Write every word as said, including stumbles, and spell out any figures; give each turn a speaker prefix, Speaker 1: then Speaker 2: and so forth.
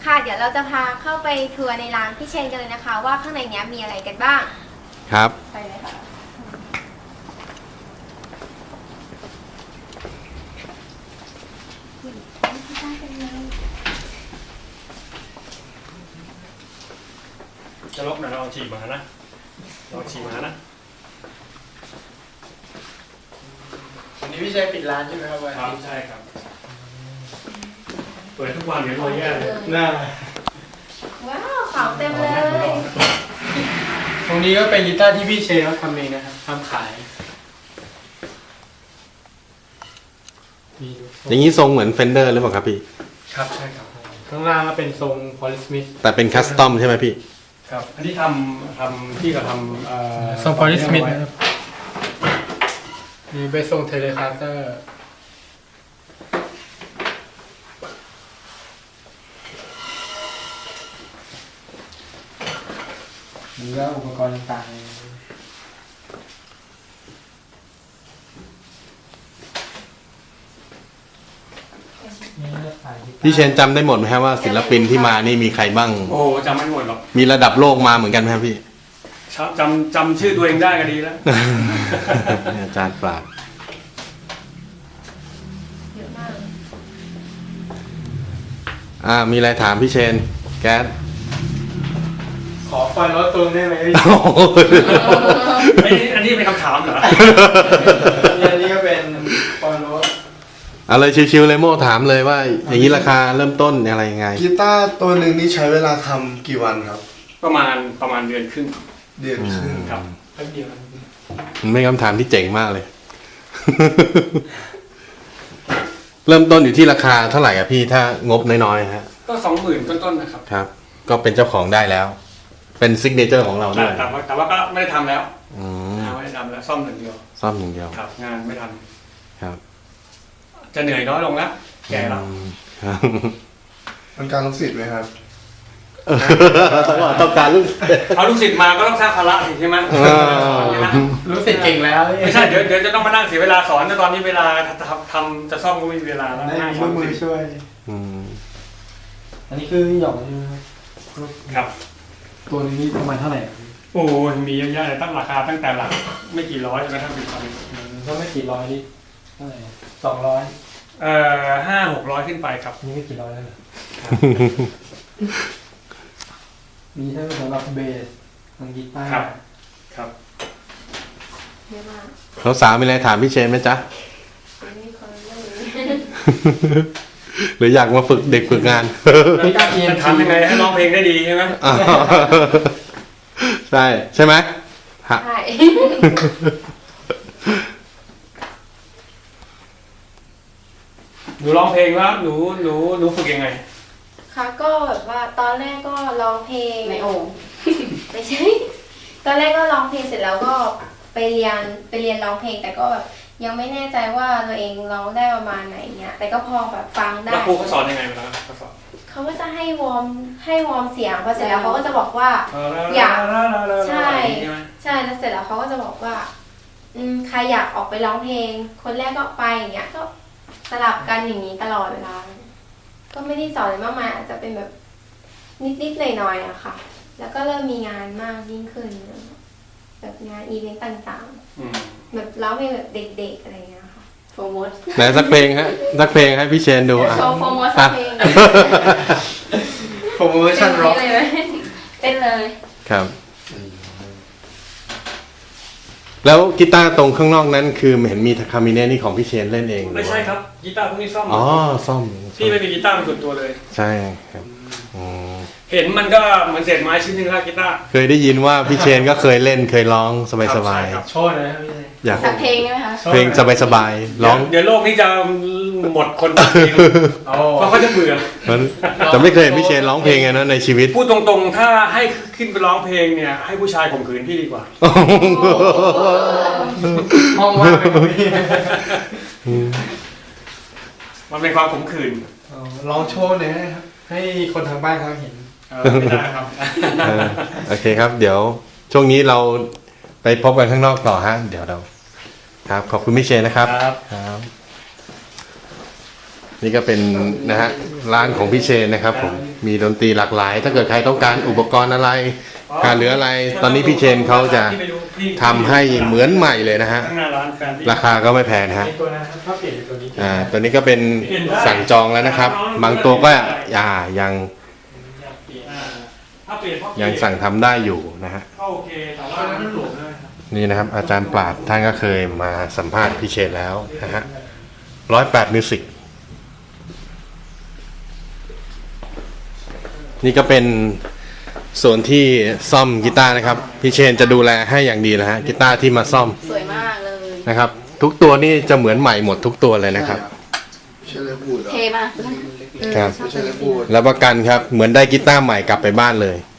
Speaker 1: ค่ะเดี๋ยวเราจะพาเข้าไปทัวร์ในร้านพี่เชนกันเลยนะคะ ว่าข้างในเนี้ยมีอะไรกันบ้าง
Speaker 2: ครับ
Speaker 1: ไปเลยค่ะ
Speaker 3: จะลบหน่อยเราเอาฉีกมานะเราฉีกมานะ
Speaker 4: วันนี้พี่เชนปิดร้านใช่ไหมครับวันนี้
Speaker 3: ใช่ครับเปิดทุกวันเดี๋ยวรอยแย่เลย
Speaker 4: น่า
Speaker 1: ว้าวของเต็มเลย
Speaker 4: ตรงนี้ก็เป็นกีตาร์ที่พี่เชนเขาทำเองนะครับทำขาย
Speaker 2: อย่างนี้ทรงเหมือนเฟนเดอร์หรือเปล่าครับพี่
Speaker 4: ครับใช่ครับข้างล่างก็เป็นทรงพอลิสมิธ
Speaker 2: แต่เป็นคัสตอมใช่ไหมพี่
Speaker 3: ครับอันนี้ทำทำที่เราทำ
Speaker 4: ทรงพอลิสมิธนะครับนี่เป็นทรงเทเลคาสเตอร์นี่ก็อุปกรณ์ต่างๆ
Speaker 2: พี่เชนจำได้หมดไหมครับว่าศิลปินที่มานี่มีใครบ้าง
Speaker 3: โอ้จำไม่หมดหรอก
Speaker 2: มีระดับโลกมาเหมือนกันไหมครับพี่
Speaker 3: จำจำชื่อตัวเองได้ก็ดีแล้ว
Speaker 2: อาจารย์ปราบ
Speaker 1: เยอะมาก
Speaker 2: อ่ามีอะไรถามพี่เชนแก๊ส
Speaker 4: ขอฟันรถตูนได้ไหมพี่
Speaker 3: อันนี้อันนี้เป็นคำถามเหรอ
Speaker 4: อันนี้ก็เป็นฟันรถ
Speaker 2: เอาเลยชิวๆเลยโม่ถามเลยว่าอย่างนี้ราคาเริ่มต้นอะไรยังไง
Speaker 5: กีตาร์ตัวหนึ่งนี่ใช้เวลาทำกี่วันครับ
Speaker 3: ประมาณประมาณเดือนครึ่ง
Speaker 5: เดือนครึ่ง
Speaker 3: ครับแป๊บเดียว
Speaker 2: มันไม่คำถามที่เจ๋งมากเลย เริ่มต้นอยู่ที่ราคาเท่าไหร่อ่ะพี่ถ้างบน้อยๆฮะ
Speaker 3: ก็สองหมื่นต้นๆนะครับ
Speaker 2: ครับก็เป็นเจ้าของได้แล้วเป็นซิกเนเจอร์ของเราด้วย
Speaker 3: แต่ว่าแต่ว่าก็ไม่ได้ทำแล้วไม่ได้ทำแล้วซ่อมหนึ่งเดียว
Speaker 2: ซ่อมหนึ่งเดียว
Speaker 3: ครับงานไม่ท
Speaker 2: ำครับ
Speaker 3: จะเหนื่อยน้อยลงแล้วแก่แล้ว
Speaker 5: มันการลูกศิษย์ไหมครับ
Speaker 2: ต้องการลูก
Speaker 3: เอาลูกศิษย์มาก็ต้องสร้างภาระใช่ไหม
Speaker 4: ลูกศิษย์เก่งแล้ว
Speaker 3: ไม่ใช่เดี๋ยวเดี๋ยวจะต้องมานั่งเสียเวลาสอนแต่ตอนนี้เวลาทำจะซ่อมก็ไม่มีเวลาแล้ว
Speaker 4: ได้มีมือช่วยอันนี้คือหยอกใช่ไหม
Speaker 3: ครับ
Speaker 4: ตัวนี้ประมาณเท่าไหร่
Speaker 3: โอ้มีเยอะแยะเลยตั้งราคาตั้งแต่หลักไม่กี่ร้อยจนกระทั่งถึงพัน
Speaker 4: ก็ไม่กี่ร้อยนี่เท่าไหร่สองร้อย
Speaker 3: เอ่อห้าหกร้อยขึ้นไปครับ
Speaker 4: นี่ไม่กี่ร้อยแล้วเหรอมีทั้งสำหรับเบสทางกีตาร์
Speaker 3: ครับครับ
Speaker 1: เยอะมาก
Speaker 2: เขาสาวมีอะไรถามพี่เชนไหมจ๊ะหรืออยากมาฝึกเด็กฝึกงาน
Speaker 3: ไม่กล้าเรียนทำยังไงให้ร้องเพลงได้ดีใช่ไหม
Speaker 2: ใช่ใช่ไหม
Speaker 1: ใช่
Speaker 3: หนูร้องเพลงแล้วหนูหนูหนูฝึกยังไง
Speaker 1: ค่ะก็แบบว่าตอนแรกก็ร้องเพลงไม่โอ่งไม่ใช่ตอนแรกก็ร้องเพลงเสร็จแล้วก็ไปเรียนไปเรียนร้องเพลงแต่ก็แบบยังไม่แน่ใจว่าตัวเองร้องได้ประมาณไหนเงี้ยแต่ก็พอแบบฟังได้
Speaker 3: แล้วครูเขาสอนยังไงมาเขาสอน
Speaker 1: เขาก็จะให้วอร์มให้วอร์มเสียงพอเสร็จแล้วเขาก็จะบอกว่าอยากใช่ใช่แล้วเสร็จแล้วเขาก็จะบอกว่าอืมใครอยากออกไปร้องเพลงคนแรกก็ไปอย่างเงี้ยก็สลับกันอย่างนี้ตลอดเวลาก็ไม่ได้สอนอะไรมากมายอาจจะเป็นแบบนิดๆหน่อยๆอะค่ะแล้วก็เริ่มมีงานมากยิ่งขึ้นแบบงานอีเวนต์ต่างๆแบบร้องเพลงแบบเด็กๆอะไรเงี้ยค่ะโฟมด
Speaker 2: ไหนสักเพลงฮะสักเพลงให้พี่เชนดู
Speaker 1: อ่ะโชว์โฟมดสักเพลง
Speaker 4: โฟมดชั่นร็อก
Speaker 1: เป็นเลย
Speaker 2: ครับแล้วกีตาร์ตรงข้างนอกนั้นคือเห็นมีคามิเน่นี่ของพี่เชนเล่นเอง
Speaker 3: ไม่ใช่ครับกีตาร์พวกนี้ซ่อม
Speaker 2: อ๋อซ่อม
Speaker 3: พี่ไม่มีกีตาร์เป็นส่วนตัวเลย
Speaker 2: ใช่ครับ
Speaker 3: เห็นมันก็เหมือนเศษไม้ชิ้นหนึ่งแล้วกีตาร์
Speaker 2: เคยได้ยินว่าพี่เชนก็เคยเล่นเคยร้องสบาย
Speaker 3: ๆโชว์เลยครับพี่
Speaker 2: อยาก
Speaker 1: สักเพลงไหมคะ
Speaker 2: เพลงสบายๆร้อง
Speaker 3: เดี๋ยวโลกนี้จะหมดคนเพราะเขาจะเบื่อ
Speaker 2: แต่ไม่เคยเห็นพี่เชนร้องเพลงไงนะในชีวิต
Speaker 3: พูดตรงๆถ้าให้ขึ้นไปร้องเพลงเนี่ยให้ผู้ชายข่มขืนพี่ดีกว่า
Speaker 4: ห้องว่าง
Speaker 3: มันเป็นความขมขื่น
Speaker 4: ร้องโชว์เนี่ยครับให้คนทางบ้านเขาเห็น
Speaker 3: ไม่ได้ครับ
Speaker 2: โอเคครับเดี๋ยวช่วงนี้เราไปพบกันข้างนอกต่อฮะเดี๋ยวเราครับขอบคุณพี่เชนนะครับ
Speaker 3: ครับ
Speaker 2: นี่ก็เป็นนะฮะร้านของพี่เชนนะครับผมมีดนตรีหลากหลาย ถ้าเกิดใครต้องการอุปกรณ์อะไรการเหลืออะไร ตอนนี้พี่เชนเขาจะทำให้เหมือนใหม่เลยนะฮะ
Speaker 3: ข้างหน้าร้านแฟนที่
Speaker 2: ราคาก็ไม่แพงนะฮะ
Speaker 4: ในตัวนะครับถ้าเปลี่ยนเป็นตัวนี้
Speaker 2: อ่าตัวนี้ก็เป็นสั่งจองแล้วนะครับ บางตัวก็อ่ายัง
Speaker 3: อ่าถ้าเปลี่ยนเพราะ
Speaker 2: ยังสั่งทำได้อยู่นะฮะ
Speaker 3: ก็โอเคแต่ว่ามันหลวมเลยครับ
Speaker 2: นี่นะครับ อาจารย์ปราดท่านก็เคยมาสัมภาษณ์พี่เชนแล้วนะฮะร้อยแปดมิวสิกนี่ก็เป็นส่วนที่ซ่อมกีตาร์นะครับพี่เชนจะดูแลให้อย่างดีนะฮะกีตาร์ที่มาซ่อม
Speaker 6: สวยมากเลย
Speaker 2: นะครับ ทุกตัวนี่จะเหมือนใหม่หมดทุกตัวเลยนะครับ
Speaker 5: ใช่เลยพูดเหรอ
Speaker 6: เทมาก
Speaker 2: ครับ
Speaker 5: ไม่ใช่เลยพูด
Speaker 2: แล้วประกันครับเหมือนได้กีตาร์ใหม่กลับไปบ้านเลย